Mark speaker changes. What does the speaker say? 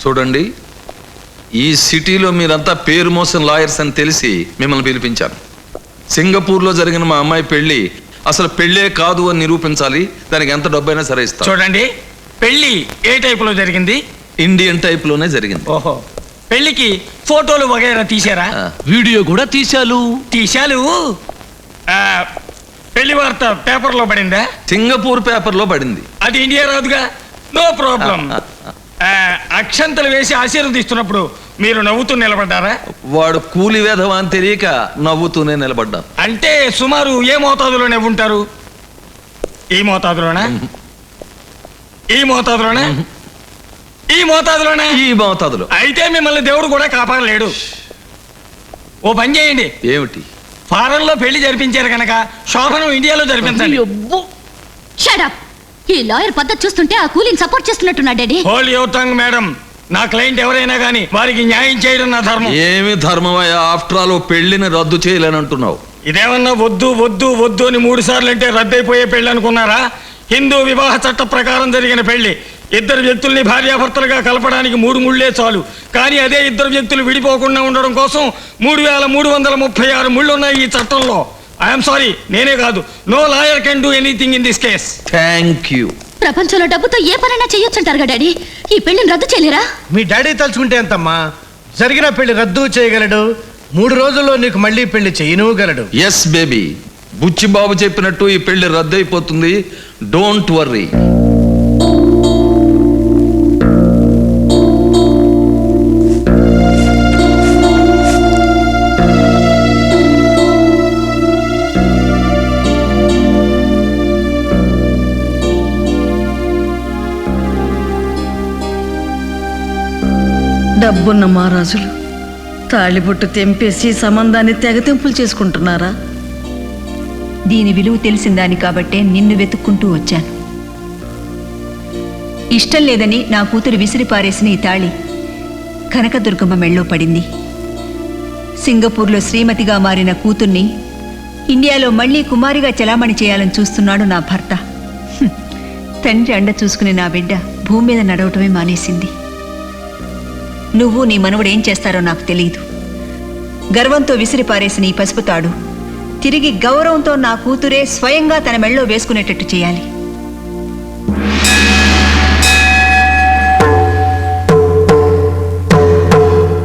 Speaker 1: చూడండి, ఈ సిటీలో మీరంతా పేరు మోసిన లాయర్స్ అని తెలిసి మిమ్మల్ని పిలిపించాను. సింగపూర్లో జరిగిన మా అమ్మాయి పెళ్లి అసలు పెళ్ళే కాదు అని నిరూపించాలి. దానికి ఎంత డబ్బైనా సరే ఇస్తాను.
Speaker 2: చూడండి, పెళ్లి ఏ టైపులో జరిగింది?
Speaker 1: ఇండియన్ టైప్ లోనే జరిగింది.
Speaker 2: ఓహో, పెళ్లికి ఫోటోలు వగైరా తీశారా?
Speaker 3: వీడియో కూడా తీశాలు.
Speaker 2: పెళ్లి వార్త పేపర్లో పడిందా?
Speaker 1: సింగపూర్ పేపర్లో పడింది.
Speaker 2: అది ఇండియా రాదుగా. No problem. అక్షంతలు వేసి ఆశీర్వదిస్తున్నప్పుడు మీరు నవ్వుతూ నిలబడ్డారా?
Speaker 1: వాడు కూలి వేధవా అని తెలియక నవ్వుతూనే నిలబడ్డా.
Speaker 2: అంటే సుమారు ఏ మోతాదులో నవ్వుంటారు? ఈ మోతాదులోనా? ఈ మోతాదులోనా? ఈ మోతాదులోనా?
Speaker 1: ఈ మోతాదులో.
Speaker 2: అయితే మిమ్మల్ని దేవుడు కూడా కాపాడలేడు. ఓ పని చేయండి.
Speaker 1: ఏమిటి?
Speaker 2: ఫారెన్ లో పెళ్లి జరిపించారు కనుక శోభనం ఇండియాలో జరిపించండి.
Speaker 4: Shut up. ఈ లాయర్ పద్ధతి చూస్తుంటే ఆ కూలింగ్ సపోర్ట్ చేస్తున్నట్టున్నా daddy.
Speaker 2: Hold your tongue madam. నా క్లయింట్ ఎవరైనా కానీ వారికి న్యాయం చేయడం నా ధర్మం.
Speaker 1: ఏమి ధర్మమయ్యా? ఆఫ్టర్ ఆల్ పెళ్లిని రద్దు చేయలేనంటున్నావు.
Speaker 2: ఇదేమన్నా వద్దు వద్దు వద్దు అని 3 సార్లు అంటే రద్దయిపోయే పెళ్లి అనుకున్నారా? హిందూ వివాహ చట్ట ప్రకారం జరిగిన పెళ్లి. ఇద్దరు వ్యక్తుల్ని భార్యాభర్తలుగా కలపడానికి 3 ముళ్ళే చాలు. కానీ అదే ఇద్దరు వ్యక్తులు విడిపోకుండా ఉండడం కోసం 3336 ముళ్ళు ఉన్నాయి ఈ చట్టంలో. ఐఎమ్ సారీ, నేనే కాదు, no lawyer can do anything in this case.
Speaker 1: Thank you.
Speaker 4: ప్రపంచంలో డబ్బుతో ఏ పనైనా చేయొచ్చుంటారు డాడీ. ఈ పెళ్లిని రద్దు చేయలేరా?
Speaker 5: మీ డాడీ తలుచుకుంటే ఎంతమ్మా, జరిగిన పెళ్లి రద్దు చేయగలడు. 3 రోజుల్లో నీకు మళ్ళీ పెళ్లి చేయనుగలడు.
Speaker 1: ఎస్ బేబీ, బుచ్చిబాబు చెప్పినట్టు ఈ పెళ్లి రద్దు అయిపోతుంది. Don't worry.
Speaker 6: డబ్బున్న మహారాజులు తాళిబొట్టు తెంపేసి సంబంధాన్ని తెగతెంపులు చేసుకుంటున్నారా?
Speaker 7: దీని విలువ తెలిసిందాని కాబట్టే నిన్ను వెతుక్కుంటూ వచ్చాను. ఇష్టం లేదని నా కూతురు విసిరి పారేసిన ఈ తాళి కనకదుర్గమ్మ మెళ్ళో పడింది. సింగపూర్లో శ్రీమతిగా మారిన కూతుర్ని ఇండియాలో మళ్లీ కుమారిగా చెలామణి చేయాలని చూస్తున్నాడు నా భర్త. తండ్రి అండ చూసుకునే నా బిడ్డ భూమి మీద నడవటమే మానేసింది. నువ్వు నీ మనవడు ఏం చేస్తారో నాకు తెలియదు. గర్వంతో విసిరి పారేసిన ఈ పసుపు తాడు తిరిగి గౌరవంతో నా కూతురే స్వయంగా తన మెళ్ళో వేసుకునేటట్టు చేయాలి.